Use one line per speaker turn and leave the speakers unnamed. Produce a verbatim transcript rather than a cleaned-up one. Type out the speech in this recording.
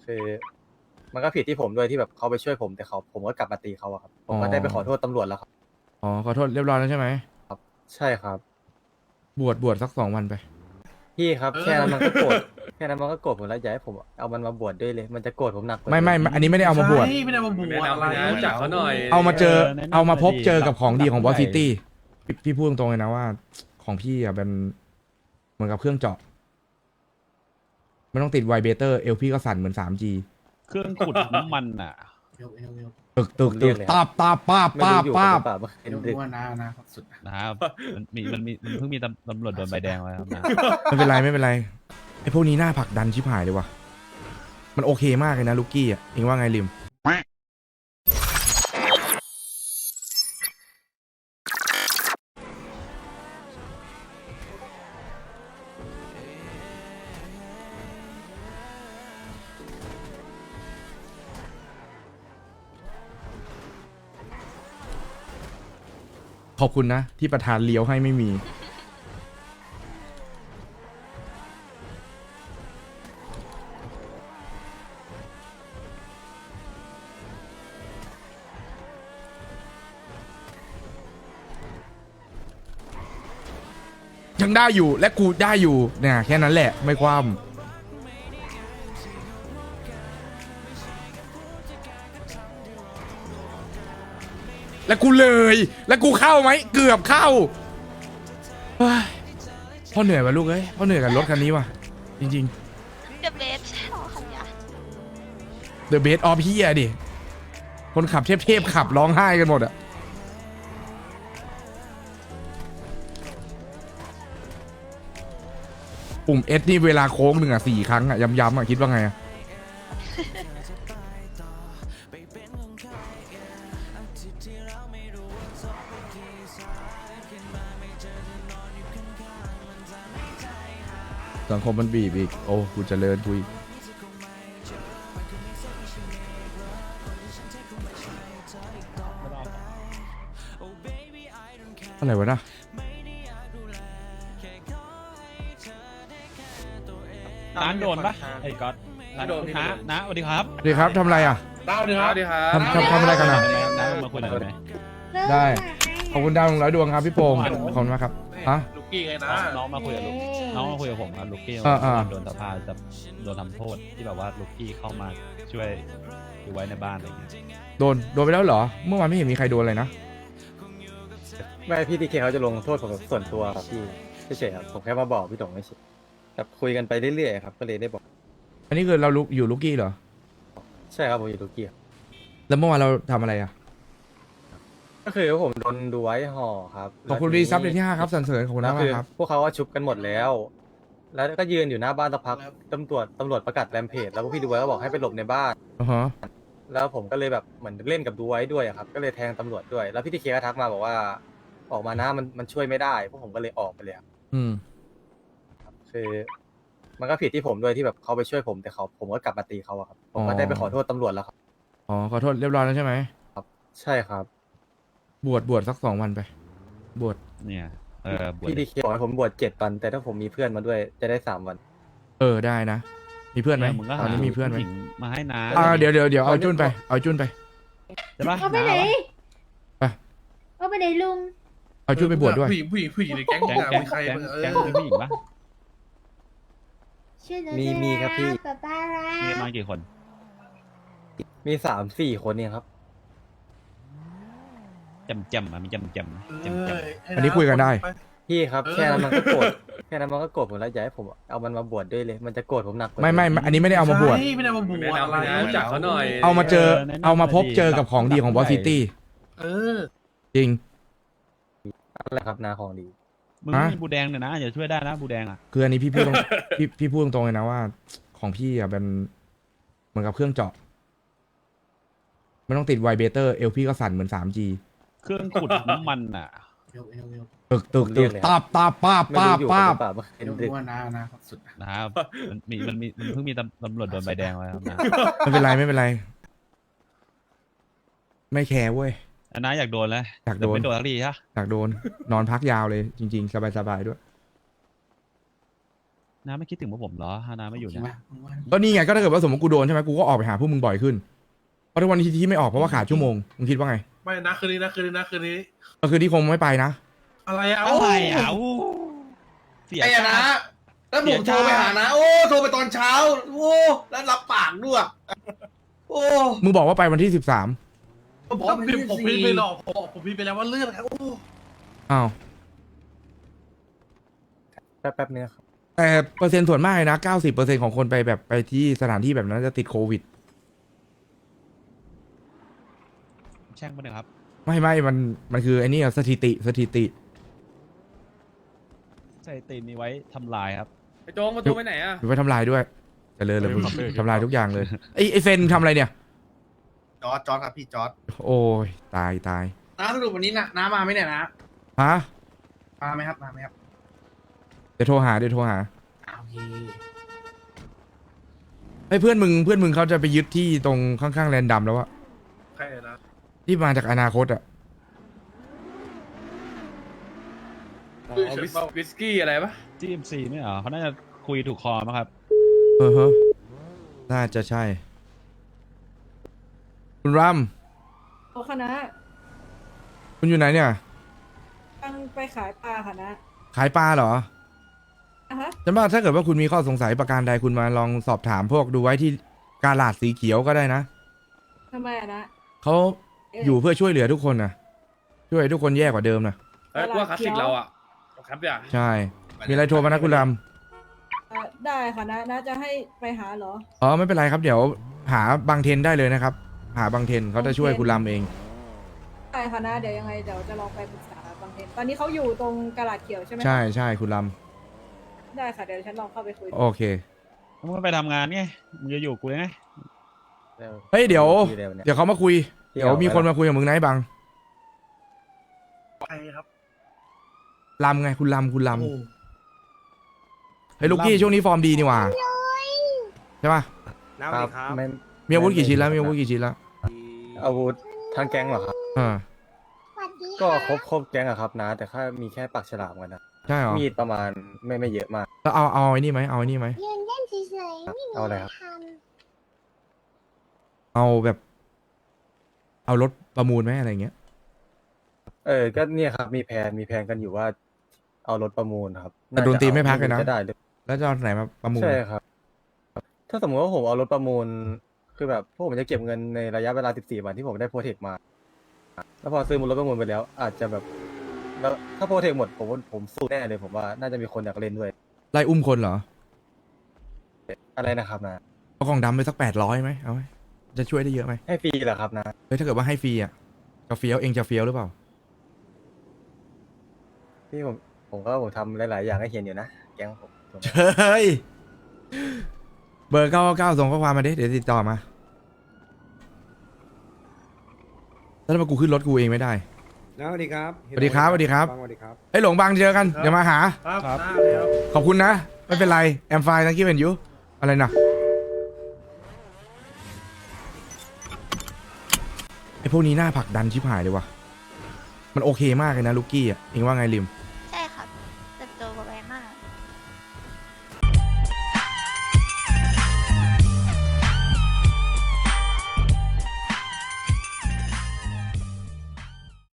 คือมันก็ผิดที่ผมด้วยที่แบบเขาไปช่วยผมแต่เขาผมก็กลับมาตีเขาอะครับผมก็ได้ไปขอโทษตำรวจแล้วครับ
อ๋อขอโทษเรียบร้อยแล้วใช่ไหม
ใช่ครับ
บวชบวชสักสองวันไป
พี่ครับแค่นั้นมันก็โกรธแค่นั้นมันก็โกรธผมแล้วอยากให้ผมเอามันมาบวชด้วยเลยมันจะโกรธผมหนักกว่า
ไม่
เดิ
ไม่ไม่อันนี้ไม่ได้เอามาบวช
ใช่ไม่ได้มาบวชอะไร
รู้จักเขาหน่อย
เอามาเจอ
แนะนำ
เอามาพบ
หน่อยดิ
เจอกับของดีของบอส
ใหญ่
ซิตี้พี่พี่พูดตรงๆเลยนะว่าของพี่อ่ะเป็นเหมือนกับเครื่องเจาะไม่ต้องติดไวเบเตอร์เอลพี่ก็สั่นเหมือน สามจี
เครื่องขุดน้ำมันอ่ะ
เร็วเร็วเร็ว
ตึกตึก
ผมเรี
ตึ
ย
ก
กเลย
ตาบตาบป้าบ
ไม่
ป้า
รู้
บ
อยู่
ป้า
ห
บ
รือเปล่าเมื่อคื
เร็
น
ว
ดึก
ว่านานะครับสุด
นะครับมันมีมันมีมันเพิ่งมีตำตำรวจโดนใบแดงไว้ครับนะ
ไม่เป็นไรไม่เป็นไรไอพวกนี้หน้าผลักดันชิบหายเลยว่ะมันโอเคมากเลยนะลูกกี้อ่ะเองว่าไงลิมขอบคุณนะ ที่ประธานเลี้ยวให้ไม่มี ยังได้อยู่และกูได้อยู่เนี่ยแค่นั้นแหละไม่คว่ำแล้วกูเลย แล้วกูเข้าไหมเกือบเข้าเฮ้ยพ่อเหนื่อยว่ะลูกเอ้ยพ่อเหนื่อยกับรถคันนี้ว่ะจริง
เดอะเบสใช่หรอคันยา
ๆ The Best of พี่อะดิคนขับเทพๆขับร้องไห้กันหมดอะปุ่ม S นี่เวลาโค้งหนึ่งอะสี่ครั้งอะย้ำๆอะคิดว่าไงอะสังคมมันบีบอีกโอ้กูเจริญกูอีกอะไรวะนะ
น้าโดนปะไอ้ก๊อตน้าโดนน้าน้าสวัสดีครับ
สวัสดีครับทำอะไรอ่ะ
เล่าดิครับดิครับ
ทำทำทำอะไรกันอ่ะ
น้ามาคุยหน่อยได้ไหม
ได้ ขอบคุณดาวหนึ่งร้อยดวงครับพี่โป่งขอบคุณมากครับฮะ
ลูกกี้ไงนะ
น้องมาคุยกับลูกน้องมาคุยกับผมครับลูกกี้
อ่าอ่า
โดนสภาจะโดนทำโทษที่แบบว่าลูกกี้เข้ามาช่วยดูไว้ในบ้านอะไรอย่างเงี้ย
โดนโดนไปแล้วเหรอ เมื่อวานไม่เห็นมีใครโดนเลยนะ
ไม่พี่ดีเคเขาจะลงโทษผมส่วนตัวครับพี่เฉยๆครับผมแค่มาบอกพี่ตงไม่ใช่แบบคุยกันไปเรื่อยๆครับก็เลยได้บอก
อันนี้คือเราลุกอยู่ลูกกี้เหรอ
ใช่ครับผมอยู่ตุรกีครับ
แล้วเมื่อวานเราทำอะไรอ่ะ
ก็คือผมโดนดูไว้ห่อครับ
ขอบคุณ
แล้ว
รี
ทีนี้
ซับเดือนที่ห้าครับสันเสริญขอบคุณ
แล้
มาว ก
คือ
ครับ
พวกเขาก็ชุบกันหมดแล้ว แล้วก็ยืนอยู่หน้าบ้านสักพักตำรวจตำรวจประกาศแรมเพจแล้วพวกพี่ดูไว้ก็บอกให้ไปหลบในบ้าน
อือฮะ
แล้วผมก็เลยแบบเหมือนเล่นกับดูไว้ด้วยอะครับ ก็เลยแทงตำรวจด้วย แล้วพี่ทีเคก็ทักมาบอกว่าออกมานะมันมันช่วยไม่ได้พวกผมก็เลยออกไปเลยครับ
อืม
คือมันก็ผิดที่ผมด้วยที่แบบเขาไปช่วยผมแต่เขาผมก็กลับมาตีเขาอะครับผมก็
อ๋อ
ได้ไปขอโทษตำรวจแล้วครับ
อ๋อขอโทษเรียบร้อยแล้วใช่ไหม
ใช่ครับ
บวชบวชสักสองวันไป บวช
เนี่ยเออบวช
พี่ดีเคบอกให้ผมบวชเจ็ดวัน แต่ถ้าผมมีเพื่อนมาด้วยจะได้สามวัน
เออได้นะ มีเพื่อนไหม
มึงก็
ตอ
หาน
นี้มีเพื่อนไหม
ผู้ญิงมาให้น้า
อ่าเดี๋ยวเดี๋ยวเดี๋ยวเอาจุนไปเอาจุนไป
ใช่ปะ
เขาไปไหน
ไป
เขาไปไหนลุง
เอาจุนไปบวชด้วย
ผู้หญิงผู้หญิงผู้หญิงในแก๊ง
แก๊ง
เนี่ย
แก๊ง
มีใคร
แก๊ง
บ้างเอ
แก๊ง
อ
มีผู้หญิงปะ
ชื่อหนู
มีมีครับพี่
ป๊าป๊ารั
มี
ก
มากี่คน
มีสามสี่คนเนี่ยครับ
จำจำอ่ะมีจำจำจำจำ
อันนี้คุยกันได้
พี่ครับ
เออ
แค่นั้นมันก็โกรธแค่นั้นมันก็โกรธผมแล้วอยากให้ผมเอามันมาบวชด้วยเลย มันจะโกรธผมหนักกว่า
ไม่ไม่
เดิ
อันนี้ไม่ได้เอามาบวช
ใช่ไม่ได้มาบวช
แนะนำ
อะไร
รู้จักเขาหน่อย
เอามาเจอ
เออแนะนำ
เอามาพบ
หน่อยดิ
เจอกับของดีของบอสซิตี้
เออ
จริง
อะไรครับนาของดี
มึง
ฮะ
มีบูแดงเนี่ยนะอย่าช่วยได้นะบูแดงอ่ะ
คืออันนี้พี่พูดตรง พี่พี่พูดตรงๆเลยนะว่า ของพี่อ่ะเป็นเหมือนกับเครื่องเจาะไม่ต้องติดไวเบเตอร์เอลพี่ก็สั่นเหมือน สามจี
เครื่องขุดน้ำมันอ่ะ
เร็วเร็วเร็ว
ตึกตึก
ผมเรี
ตึ
ย
ก
กเลย
ตาบตาบป้าบ
ไม่
ป้า
รู้
บ
อยู่
ป้า
ห
บ
รือเปล่าเมื่อคืน
เร็ว
ดึก
ว่านานะครับสุด
นะครับมันมีมันมีมันเพิ่งมีตำตำรวจโดนใบแดงไว้ครับนะ
ไม่เป็นไรไม่เป็นไร ไม่แคร์เว้ย
อันน้าอยากโดนแล้ว
อยากโดน
แต่ไม่โดนสักทีใช่ปะ
อยากโดน นอนพักยาวเลยจริง ๆ สบายๆด้วย
น้าไม่คิดถึงพวกผมเหรอถ้าน้าไม่อยู่
จริ
เนี่
ง
ย
ปะมึงว่า
ก็นี่ไงก็ถ้าเกิดว่าสมมติกูโดนใช่ไหมกูก็ออกไปหาพวกมึงบ่อยขึ้นเพราะทุกวันนี้ที่ไม่ออกเพราะว่าขาดชั่วโมงมึงคิดว่าไง
ไม่นะคืนนี้นะคืนนี้นะคืนนี้
ก็คือที่คงไม่ไปนะ
อะไรอะ
อะไรอ่ะอู้เสีย
ไอ้อะนะแล้วผมโทรไปหานะ โอ้โทรไปตอนเช้า โอ้แล้วรับปากด้วยโอ้
มึงบอกว่าไปวันที่สิบสาม
ผมบอก
ผ
ว่าม มัน
พิมพ์ผมพิมพ์ไป
สี่
หรอกผมบอกผมพิมพ์ไปแล้วว่าเลื่อนครับโอ้
อ้าว
แป๊บแป๊บนึงครับ
แต่เปอร์เซ็นต์ส่วนมากเลยนะเก้าสิบเปอร์เซ็นต์ของคนไปแบบไปที่สถานที่แบบนั้นจะติดโควิด
แช่งปะเนี่ยครับ
ไม่ไม่มันมันคือไอ้นี่อะสถิติสถิติ
ใส่ตีนนี้ไว้ทำลายครับ
ไอ้โจงมาตัวไปไหนอ่ะ
หรือว่าทำลายด้วยเจะเลยเลยมึง
เออ
ทำลายทุกอย่างเลยไอ้ไอ้เฟนทำอะไรเนี่ย
จอร์ดจอร์ดครับพี่จอร์ด
โอ้ยตายตาย
น้าสรุปวันนี้นะน้ามาไหมเนี่ยนะ
ฮะ
มาไหมครับมาไหมครับ
เดี๋ยวโทรหาเดี๋ยวโทรหา
อ่าโอเค
ไอ้เพื่อนมึงเพื่อนมึงเขาจะไปยึดที่ตรงข้างๆแลนดัมแล้วอะ
ใครนะ
ที่มาจากอนาคตอะ
อ๋อวิสวิสกี้อะไรปะ
จี เอ็ม ซี ไม่เหรอเขาน่าจะคุยถูกคอมั้งครับ
เออฮะน่าจะใช่ คุณรัม
โอคณะ
คุณอยู่ไหนเนี่ย
ตั้งไปขายปลาค่ะนะ
ขายปลาเหรอ
อ่ะฮะ
ฉันว่าถ้าเกิดว่าคุณมีข้อสงสัยประการใดคุณมาลองสอบถามพวกดูไว้ที่กาลาดสีเขียวก็ได้นะ
ทำไมอะนะ
เขาอยู่เพื่อช่วยเหลือทุกคนนะช่วยให้ทุกคนแย่กว่าเดิมนะ
เฮ้ยกูว่าคลาสสิกเราอ่ะครับเดี๋ยว
ใช่ มีอะไรโทรมานะคุณรัม
เอ่อได้ค่ะนะนะจะให้ไปหาเหรอ
อ๋อไม่เป็นไรครับเดี๋ยวหาบางเทนได้เลยนะครับ หาบางเทนเขาจะช่วยคุณรัมเอง
ได้ค่ะนะเดี๋ยวยังไงเดี๋ยวจะลองไปปรึกษาบางเทนตอนนี้เขาอยู่ตรงกระดาษเขียวใช่ไหมคะ
ใช่ใช่คุณรัม
ได้ค่ะเดี๋ยวฉันลองเข้าไปคุย
โอเค
มึงไปทำงานไง มึงจะอยู่กูไง
เฮ้ยเดี๋ยว
พี่เร็วเนี่ย
เดี๋ยวเขามาคุย
พี่
เดี๋ยว
เอามี
มีคนมาคุยกับมึงนะไอ้บัง
ใครครับ
ลำไงคุณลำคุณล
โอ้
ำเฮ้ยลูกกี้ช่วงนี้ฟอร์มดีนี่หว่าใช่ป่ะ
ครับไม่
มีอาวุธกี่ชิ้นแล้วมีอาวุธกี่ชิ้นแล้ว
อาวุธทางแก๊งเหรอครับ
อ่า
ก็ครบครบแก๊งอะครับนะ แต่แค่มีแค่ปากฉลามกันนะ
ใช่เหรอ
มีดประมาณไม่ไม่เยอะมาก
แล้วเอาเอาไอ้นี่ไหมเอาไอ้นี่ไหม
ยืนเล่นเฉยๆไม่มี
เอาอะไรครับ
ท
เอาแบบ เอารถประมูลไหมอะไรเงี้ย
เออ ก็เนี่ยครับ มีแผนมีแผนกันอยู่ว่า เอารถประมูลครับ
แต่ดนตรีไม่พักเลยนะ
จะได้หรือ
แล้วจะเอาไหนมาประมูล
ใช่ครับ ถ้าสมมติว่าผมเอารถประมูล คือแบบพวกผมจะเก็บเงินในระยะเวลา สิบสี่ วันที่ผมได้โปรเทคมา แล้วพอซื้อมูลรถประมูลไปแล้ว อาจจะแบบ แล้วถ้าโปรเทคหมดผมว่าผมสู้แน่เลยผมว่าน่าจะมีคนอยากเล่นด้วย
ไล่อุ้มคนเหรอ
อะไรนะครับนะ
เอากล่องดำไปสักแปดร้อยไหมเอาไหมจะช่วยได้เยอะไหม
ให้ฟรีเหรอครับนะ
เฮ้ยถ้าเกิดว่าให้ฟรีอ่ะจะเฟี้ยวเองจะเฟี้ยวหรือเปล่า
พี่ผมผมก็ผมทำหลาย ๆ อย่างให้เห็นอยู่นะ แก๊งผมถูกไหม
เฮ้ย เบอร์เก้าเก้าส่งข้อความมาดิเดี๋ยวติดต่อมาแล้วทำไมกูขึ้นรถกูเองไม่ได้
สวัสดีครับ
สวัสดีครับสวัสดีครับ
สวัสดีครับ
ไอ้ยหลงบางเจอกันเดี๋ยวมาหา
ครับ
ครับ
ได้เลยครับ
ขอบคุณนะ ไม่เป็นไร แอมไฟนะคิดเป็นยูอะไรนะไอพวกนี้หน้าผลักดันชิบหายเลยว่ะ มันโอเคมากเลยนะลูกกี้อ่ะ เองว่าไงลิม